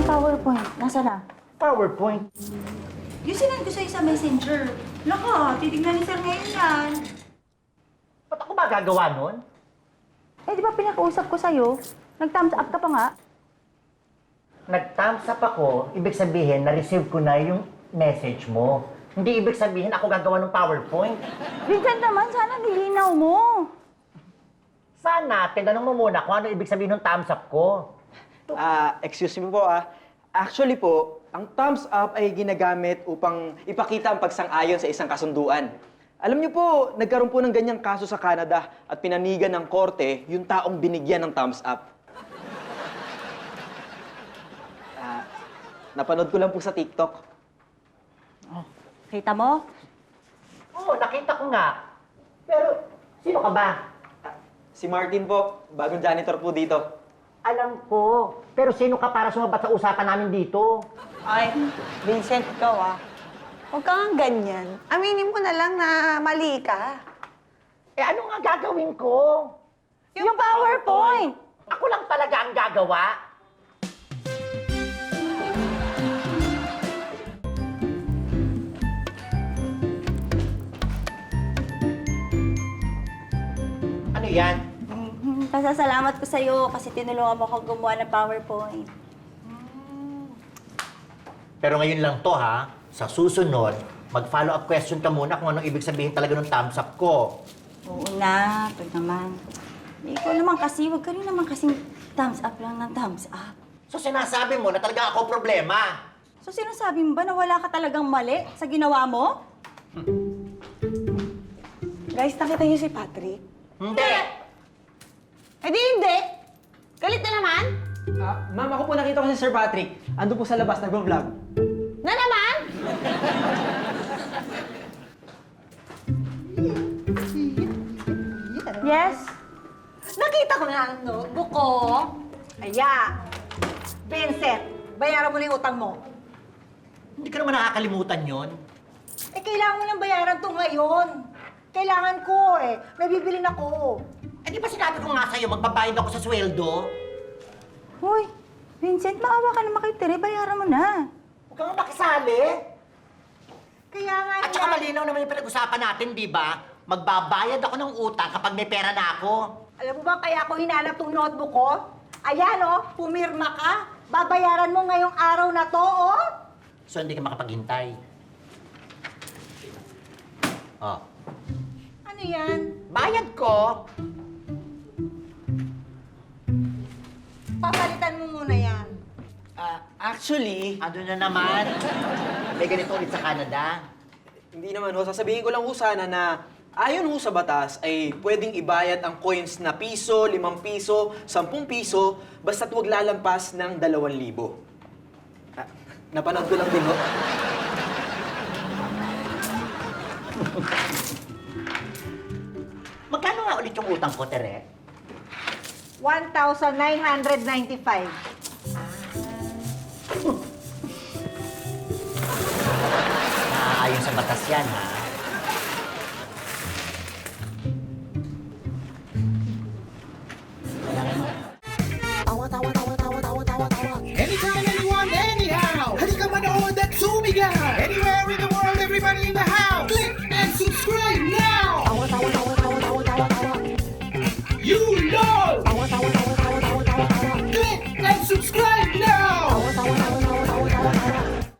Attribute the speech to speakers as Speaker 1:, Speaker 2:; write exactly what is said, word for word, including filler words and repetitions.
Speaker 1: PowerPoint, nasa na?
Speaker 2: PowerPoint?
Speaker 1: Yung sinend ko sa'yo sa messenger. Laka, titignan ni sir ngayon yan.
Speaker 2: Ba't ako ba gagawa nun?
Speaker 1: Eh, di ba pinakausap ko sa'yo? Nag-thumbs up ka pa nga.
Speaker 2: Nag-thumbs up ako, ibig sabihin, na-receive ko na yung message mo. Hindi ibig sabihin ako gagawa ng PowerPoint.
Speaker 1: Vincent naman, sana nilinaw mo.
Speaker 2: Sana, tinanong mo muna kung ano ibig sabihin ng thumbs up ko.
Speaker 3: Ah, excuse me po ah. Actually po, ang thumbs up ay ginagamit upang ipakita ang pagsang-ayon sa isang kasunduan. Alam niyo po, nagkaroon po ng ganyang kaso sa Canada at pinanigan ng korte yung taong binigyan ng thumbs up. Ah, napanood ko lang po sa TikTok.
Speaker 1: Kita mo?
Speaker 2: Oo, nakita ko nga. Pero, sino ka ba?
Speaker 3: Ah, si Martin po, bagong janitor po dito.
Speaker 2: Alam ko. Pero sino ka para sumabat sa usapan namin dito?
Speaker 4: Ay, Vincent, ikaw ah. Huwag ka nga ganyan. Aminin mo na lang na mali ka.
Speaker 2: Eh, ano nga gagawin ko?
Speaker 1: Yung, PowerPoint!
Speaker 2: Ako lang talaga ang gagawa. Ano yan?
Speaker 1: Mhm, Pasasalamat ko sa'yo kasi tinulungan mo ako gumawa ng PowerPoint.
Speaker 2: Pero ngayon lang to ha. Sa susunod, mag-follow up question ka muna kung anong ibig sabihin talaga ng thumbs up ko.
Speaker 1: Oo na, ito naman. Eh, ikaw naman kasi, huwag ka rin naman kasing thumbs up lang ng thumbs up.
Speaker 2: So sinasabi mo na talaga ako problema.
Speaker 1: So sinasabi mo ba na wala ka talagang mali sa ginawa mo?
Speaker 4: Guys, nakita niyo si Patrick?
Speaker 2: Hindi!
Speaker 4: Eh di hindi! Galit na naman?
Speaker 3: Ah, ma'am, ako po nakita ko si Sir Patrick. Ando po sa labas, nagbo-vlog.
Speaker 4: Na naman?
Speaker 1: Yes?
Speaker 4: Nakita ko na ang notebook ko. Aya! Vincent, bayaran mo na yung utang mo.
Speaker 2: Hindi ka naman nakakalimutan yon.
Speaker 4: Eh, kailangan mo nang bayaran to ngayon. Kailangan ko eh. May bibilin ako.
Speaker 2: Eh di ba sinabi ko nga sa'yo, magbabayad ako sa sweldo?
Speaker 1: Hoy, Vincent, maawa ka naman kay Tere, bayaran mo na.
Speaker 2: Huwag kang makisali.
Speaker 4: Kaya nga
Speaker 2: At saka malinaw naman yung pinag-usapan natin, di ba? Magbabayad ako ng utang kapag may pera na ako.
Speaker 4: Alam mo ba kaya ako hinanap tong notebook ko? Ayan oh, pumirma ka. Babayaran mo ngayong araw na to, oh.
Speaker 2: So hindi ka makapaghintay. Oh.
Speaker 4: Ano yan?
Speaker 2: Bayad ko.
Speaker 4: Papalitan mo muna yan.
Speaker 3: Ah, actually,
Speaker 2: Ano na naman? May ganito ulit sa Canada.
Speaker 3: hindi naman ho. Sasabihin ko lang ho sana na ayon ho sa batas ay pwedeng ibayad ang coins na piso, limang piso, sampung piso, basta't huwag lalampas ng dalawang libo. Ah, napanood ko lang din ho.
Speaker 2: Magkano nga ulit yung utang ko, Tere?
Speaker 4: one thousand nine hundred ninety-five.
Speaker 2: Naaayon sa batas yan, ha?
Speaker 5: Anytime, anyone, anyhow. Halika manood at sumigaw. Anywhere in the world, everybody in the house. Click and subscribe now. You know.